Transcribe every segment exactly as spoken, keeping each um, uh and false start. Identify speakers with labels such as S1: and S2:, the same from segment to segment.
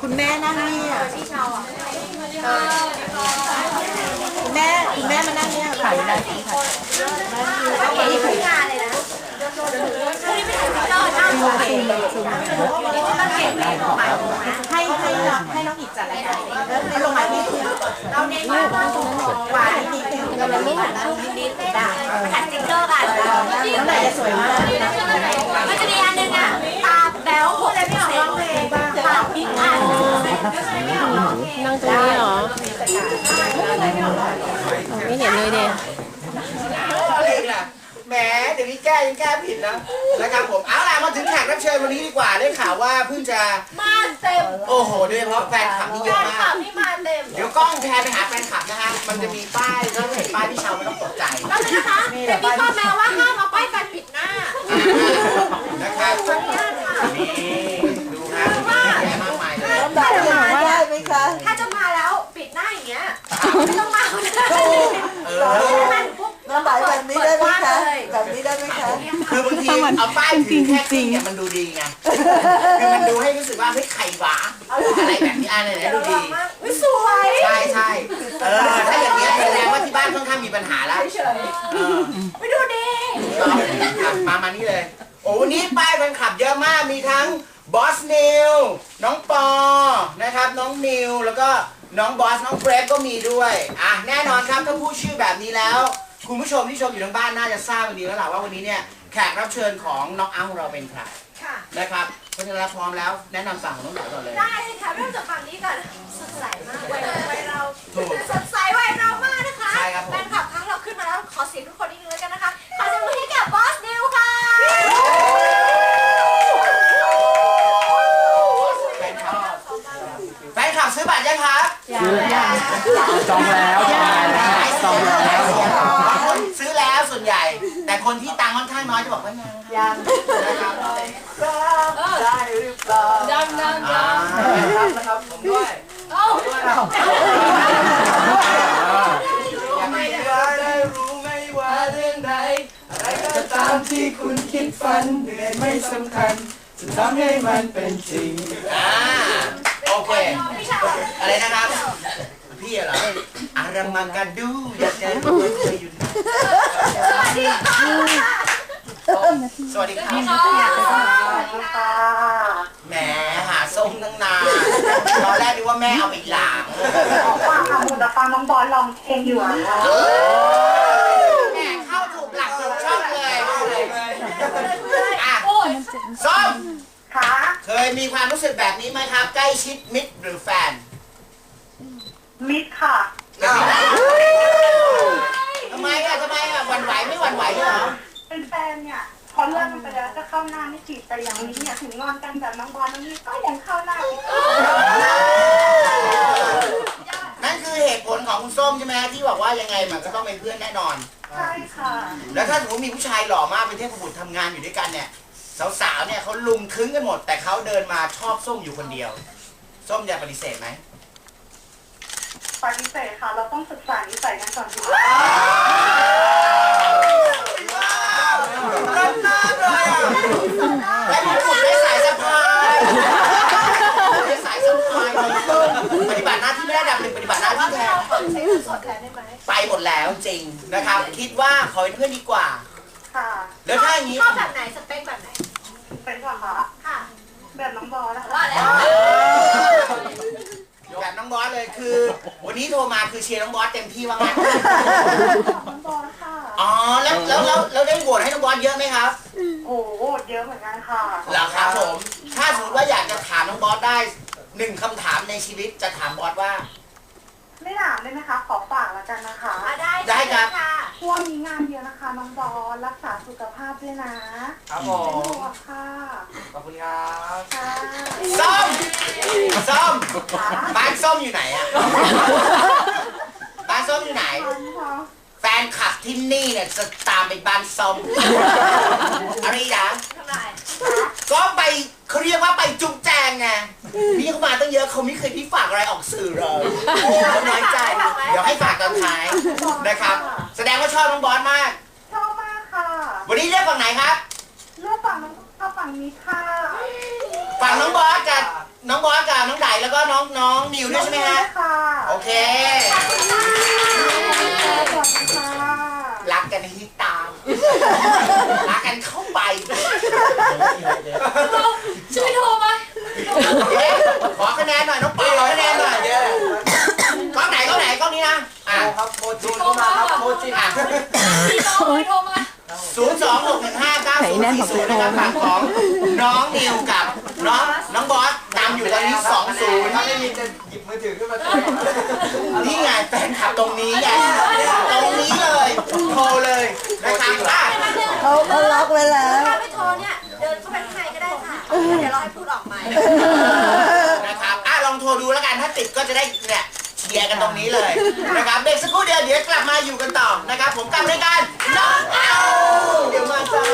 S1: คุณแม่นั่งนี่อ่ะพี่เชาอ่ะคุณแม่คุณแม่มานั่งนี่ถ่ายได้ถ่ายได้นี่คืองานเลยนะให้ให้น้องให้น้องอีกจัดรายการให้ลงมาที่เราเน้นว่าหวานนิดนึงเราไม่หวานนิดๆได้หัดสติ๊กเกอร์กันแล้วไหนจะสวยมากมันจะมีอันนึงอ่ะตาแบ๊วพูดอะไรไม่ออกร้องเพลงตาพิษอ่ะ
S2: นั่งตรงนี้เหรอไม่เห็นเลยเด็ก
S3: แหมเดี๋ยวนี้แก้ยังแก้ผิดนะนะครับผมเอาล่ะมาถึงแขกรับเชิญวันนี้ดีกว่าได้ข่าวว่าเพิ่งจะ
S1: มาเต็ม
S3: โอ้โหโดยเฉพาะแฟนคลับนี่เยอะมาก
S1: นี่มาเต็ม
S3: เดี๋ยวกล้องแพนไปหาแฟนคลับนะฮะมันจะมีป้ายถ้าเห็นป้ายพี่เชาไม่ต้องตกใจ
S1: แล้วนะคะแต่มีข้อแม้ว่าห้ามเอาป้ายแฟนปิดหน้า
S3: นะครับนี่ดูนะแย่มากมายเลย
S1: ถ้าจะมาได้ไหมคะถ้าจะมาแล้วปิดหน้าอย่างเงี้ยไม่ต้องมาเออน้ำใบแบบนี้ได้ไหมคะแบบนี้ได้ไหมคะ
S3: คือบางทีเอาป้ายถือแค่จริงเนี่ยมันดูดีไงคือมันดูให้รู้สึกว่าเฮ้ยไข่หวาอะไรแบบนี้อะไรเนี่ยดูดี
S1: ไม่สวย
S3: ใช่ใช่เออถ้าอย่างเงี้ยแสดงว่าที่บ้านค่อนข้างมีปัญหาแล้ว
S1: ไม่ดูดี
S3: มามานี่เลยโอ้วันนี้ป้ายแฟนคลับเยอะมากมีทั้งบอสนิวน้องปอนะครับน้องนิวแล้วก็น้องบอสน้องเกรฟก็มีด้วยอ่ะแน่นอนครับถ้าพูดชื่อแบบนี้แล้วคุณผู้ชมที่ชมอยู่ทางบ้านน่าจะทราบกันดีแล้วล่ะว่าวันนี้เนี่ยแขกรับเชิญของน้องอ้ำเราเป็นใครนะครับเพราะฉะนั้นพร้อมแล้วแนะนำฝั่งของน้องหนูก่อนเลย
S1: ได้ค่ะเริ่มจากฝั่งนี้ก่อนสดใสมากวัยวัยเราสดใสวัยเรามากนะคะ
S3: ใช่ครับผม
S1: แฟนคลับครั้งเราขึ้นมาแล้วขอเสียงทุกคนนิดนึงแล้วกันนะคะขอเสียงมือให้กับบอสนิวค่ะ
S3: แฟนคลับแฟนคลับซื้อบัตรยังครับ
S2: ซื้อยังจองแล้วจองแล้วจองแล้ว
S3: คนซื้อแล้วส่วนใหญ่แต่คนที่ตังค์ค่อนข้างน้อยจะบอกว่ายัง
S1: ยัง
S3: นะครับ
S1: ได้หรือเปล่า
S3: ยังยังยังนะครับผมด้วยยังไม่ได้รู้ไม่ว่าเรื่องใดอะไรก็ตามที่คุณคิดฝันเหนื่อยไม่สำคัญจะทำให้มันเป็นจริงอ่าโอเคอะไรนะครับพี่เหรออารามังกันดูอยากจะรู้ว่าเคยอยู่สวัสดีค่ะสวัสดีค่ะแหมหาส้มตั้งนานตอนแรกนึกว่าแม่เอาไปหลาง
S1: ฟังค่ะมูแต่ฟังน้องบอลลองเพลงอยู่อ่ะ
S3: แหมเข้าถูกหลักถูกช่องเลยอ่ะส้ม
S1: ค่ะ
S3: เคยมีความรู้สึกแบบนี้ไหมครับใกล้ชิดมิตรหรือแฟน
S1: มิดค่ะ
S3: ทำไมอ่ะทำไมอ่ะหวั่นไหวไม่หวั่นไหวเหรอ
S1: เป็นแฟนเนี่ยพอเลิกกันไปแล้วจะเข้าหน้าไม่จีบแต่อย่างนี้เนี่ยถึงงอนกันแบบน้องบอลน้องนี่ก็ยังเข้าหน้าอีก
S3: นั่นคือเหตุผลของคุณส้มใช่ไหมที่บอกว่ายังไงมันก็ต้องเป็นเพื่อนแน่นอน
S1: ใช่ค่ะ
S3: แล้วถ้าสมมติมีผู้ชายหล่อมากเป็นเทพบุตรทำงานอยู่ด้วยกันเนี่ยสาวๆเนี่ยเขาลุมคึ้งกันหมดแต่เขาเดินมาชอบส้มอยู่คนเดียวส้มจะปฏิเสธไหม
S1: ปฏิเสธค่ะเราต้องศึกษานิสัยกันก่อนดี
S3: รักมากเลยอ่ะและมีคุณได้สายสะพายได้สายสะพายปฏิบัติหน้าที่ไม่ได้ดับหนึ่งปฏิบัติหน้าที่แทนไปหมดแล้วจริงนะครับคิดว่าขอเป็นเพื่อนดีกว่า
S1: ค่ะ
S3: แล้วถ้าอย่างนี้
S1: ชอบแบบไหนสเปคแบบไหนเป็นก่อนค่ะค่ะแบบน้องบอลนะคะว่าแล้ว
S3: แบบน้องบอสเลยคือวันนี้โทรมาคือเชียร์น้องบอสเต็มที่ว่างั้น
S1: น้องบอสค่ะ
S3: อ๋อแล้วแล้วแล้วแล้วได้โหวตให้น้องบอสเยอะไหมครับ
S1: โอ้โหเยอะเหมือนกันค่ะ
S3: เหรอครับผมถ้าสมมติว่าอยากจะถามน้องบอสได้หนึ่งคำถามในชีวิตจะถามบอสว่า
S1: ไม่ถามได้ไหมคะขอฝากแล้วกันนะคะ
S3: ได้ได้ครับ
S1: ช่วงนี้งานเยอะนะคะน้องบอสรักษาสุขภาพด้วยนะครับ
S3: ผม
S1: เป็นห่วงค่ะ
S3: ขอบคุณครับ
S1: ค่ะ
S3: ส้มส้มบ้านส้มอยู่ไหนอะบ้านส้มอยู่ไหนแฟนคลับที่นี่เนี่ยจะตามไปบ้านส้มอะไรนะก็ไปเขาเรียกว่าไปจุ๊บแจงไงนี่เขามาตั้งเยอะเขาไม่เคยที่ฝากอะไรออกสื่อเลยเขาน้อยใจเดี๋ยวให้ฝากตอนท้ายนะครับแสดงว่าชอบน้องบอสมาก
S1: ชอบมากค่ะ
S3: วันนี้เลือกฝั่งไหนครับ
S1: เลือกฝั่งน้องชอบฝั่งนี้ค่ะ
S3: ฝั่งน้องบอสกับน้องบอสกับน้องไดแล้วก็น้องน้องนิวด้วยใช่ไหมฮะโอเครักกันให้ตามรักกันเข้าไป
S4: ช่วยโทรมา
S3: ขอคะแนนหน่อยน้องปอขอคะแนนหน่อยกล้องไหนกล้องไหนกล้องนี้นะอ่ะ
S2: ครับโมจิเข้ามาครับโมจิ
S3: อ่ะ
S4: พี่น้องโทรมา
S3: ศูนย์สองหกหนึ่งห้าเก้าศูนย์สี่ศูนย์นะครับฝั่งของน้องนิวกับน้องน้องบอสตามอยู่ตอนนี้สองศูนย์
S2: ถ้าไม่มีจะหยิบมือถือขึ้นมา
S3: นี่ไงแฟนคลับตรงนี้ไงตรงนี้เลยโทรเลยนะครับอ่ะ
S5: เขาเขาล็อกไว้แล้ว
S1: ถ้าไม่โทรเนี่ยเดินเข้าไปข้างในก็ได้ค่ะเดี๋ยวเราให้พูดออกใหม่
S3: นะครับอ่ะลองโทรดูแล้วกันถ้าติดก็จะได้เนี่ยเชียร์กันตรงนี้เลยนะครับเด็กสักครู่เดียวเดี๋ยวกลับมาอยู่กันต่อนะครับผมกับรายการน้องเอาเดี๋ยวมาจ้า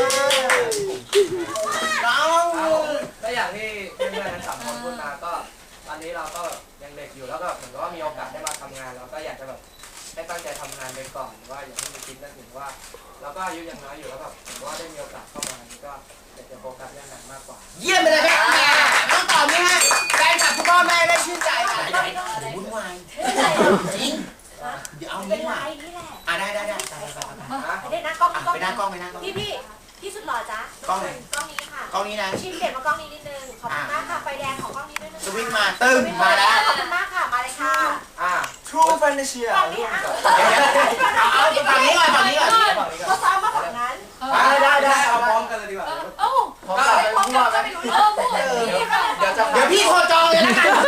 S3: น้อง
S2: ก็อย่างที่เพื่อนๆทั้งสามคนพูดมาก็ตอนนี้เราก็แบบยังเด็กอยู่แล้วก็เหมือนกับว่ามีโอกาสได้มาทำงานเราก็อยากจะแบบให้ตั้งใจทำงานไปก่อนว่าอย่าให้มีคิดนึกถึงว่าเราก็อายุยังน้อยอยู่แล้วแบบผมว่าได้มีโอกาสเข้ามาก็อยากจะโฟกัสเรื่องนั้นมากกว่า
S3: เยี่ยมไปเลยครับแม่ต้องตอบนี่ฮะแฟนคลับพ่อแม่ได้ชื่นใจอ่ะวุ่นวายจริงเดี๋ยวเอา
S1: เป็
S3: งี้
S1: น
S3: มา
S1: ไรนี่แหละ
S3: อ่ะได้ได้ได้ไปไปไป
S1: ไปได้นะกล้อง
S3: อ่ะ
S1: กล้อง
S3: ไปหน้ากล้องไปหน้ากล้อง
S1: พี่พี่พี่สุดหล่อจ้ะ
S3: กล้องไหน
S1: กล้องนี้ค่ะ
S3: กล้องนี้นะ
S1: ชิมเด็ดมากล้องนี้นิดนึงขอบคุณมากค่ะไฟแดงของกล้องนี้ด้วยนะ
S3: สวิงมาตึ้งมาแล้ว
S1: ขอบคุณมากค่ะมาเลยค่ะ
S2: อ่า
S3: True Fantasy
S1: ฝั่งนี้อ่ะ
S3: เอาเอาฝั่งนี้ก่อนฝั่งนี้ก่อน
S1: เขาซ้อมมาฝั่งนั้น
S2: ได้ได้ได้เอาพร้อมกันเลยดีกว่า
S4: เอ้า
S2: พร้อมกันไปพูดว่ากัน
S4: เออพูด
S2: เดี๋ยวจะ
S3: เดี๋ยวพี่โทรจองเลยนะกัน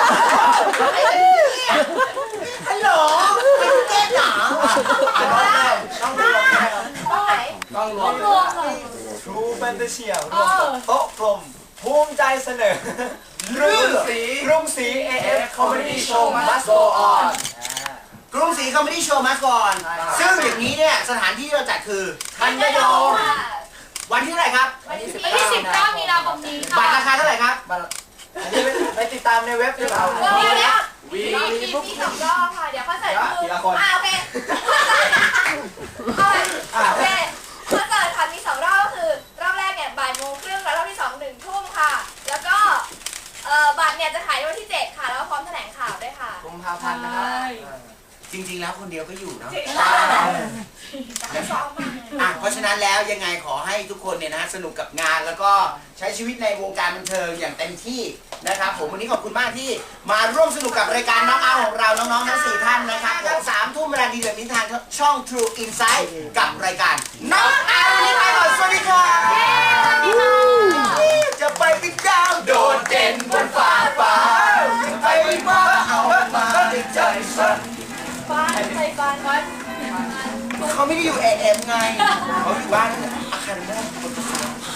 S3: ฮัลโหลเป็นเก๊กเหรอต้องดู
S1: ตรงไหน
S2: ต้องรวม
S4: รวมเลย
S2: True Fantasy รวมโต๊ะกลมภูมิใจเสนอ
S3: เรื่อง
S2: สีรุ่งสี เอ เอฟ Comedy Show Must Go On
S3: กรุงศรีคอมเมดี้โชว์มาก่อน ซึ่งอย่างนี้เนี่ยสถานที่ที่เราจัดคือทันยโยมวันที่เท่าไหร่ครับ
S4: วันที่สิบเก้ามีนาคมนี้ค่ะ
S3: บัตรราคาเท่าไหร่ครับ
S2: อันนี้ไปติดตามในเว็บดีกว่า
S1: เดี๋ยวเดี๋ยว
S2: วี
S1: มีมีสองรอบค่ะ เดี๋ยวคอนเสิร์ตคือ
S2: ทีละคน
S1: อ่าโอเคเอาโอเคคอนเสิร์ตค่ะมีสองรอบก็คือรอบแรกเนี่ยบ่ายโมงครึ่งแล้วรอบที่สองหนึ่งทุ่มค่ะ แล้วก็เอ่อบัตรเนี่ยจะขายในวันที่เจ็ดค่ะ แล้วก็พร้อมแถลงข่าวด้วยค่ะ
S2: กุมภาพันธ์นะครับ
S3: จริงๆแล้วคนเดียวก็อยู่เนาะ
S1: ซ้อมมา
S3: อ่ะเพราะฉะนั้นแล้วยังไงขอให้ทุกคนเนี่ยนะสนุกกับงานแล้วก็ใช้ชีวิตในวงการบันเทิงอย่างเต็มที่นะครับผมวันนี้ขอบคุณมากที่มาร่วมสนุกกับรายการน้องเอาของเราน้องๆทั้งสี่ท่านนะครับผมสามทุ่มเวลาดีแบบนี้ทางช่อง True Insight กับรายการน้องเอาวันนี้ไปก่อนสวัสดีครับจะไปปิดดาวโดดเด่นบนฟ้าฟ้าจะไปว่าเอามาในใจฉัน
S1: ฟ้าใจฟ้าฟ้า
S3: เขาไม่ได้อยู่ เอ เอ็ม ไงเขาอยู่บ้านอาคารแรกคนละ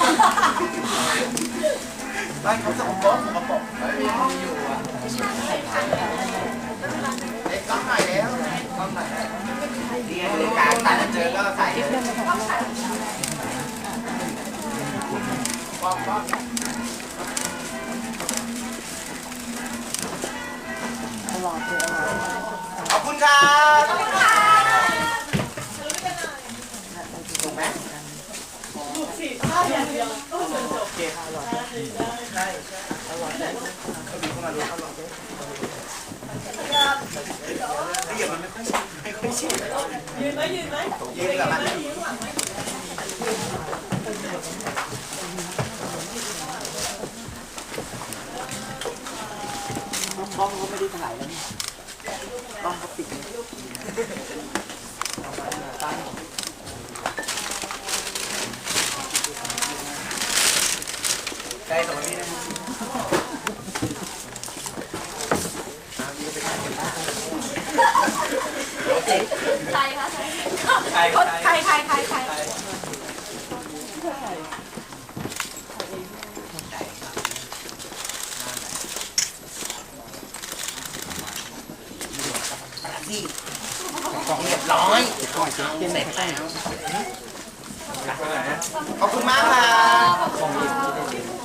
S3: บ้านเขาสกปรกสกปรกไม่มีห้องอยู่อ่ะเด็กต้องหน่อยแล้วต้องหน่อยเรียนรายการตัดเจอก็ใส่ป๊อปป๊อปขอบคุณครับถูกไหมถูกสิถ้าอย่างเดียวก็จะจบเกมอร่อยใช่ใช่อร่อยได้เขาดูเข้ามาดูอร่อยด้วยเดี๋ยวมันไม่ค่อยชินไม่ค่อยชินยืนไหมยืนไหมยืนกับมันช่องเขาไม่ได้ถ่ายแล้วต้องเขาปิดใช่สมัยนี้นะ
S4: ใครคะ
S2: ใคร
S1: ใครใครใครใคร
S3: ที่ของเรียบร้อยเสร็จแล้วขอบคุณมากครับ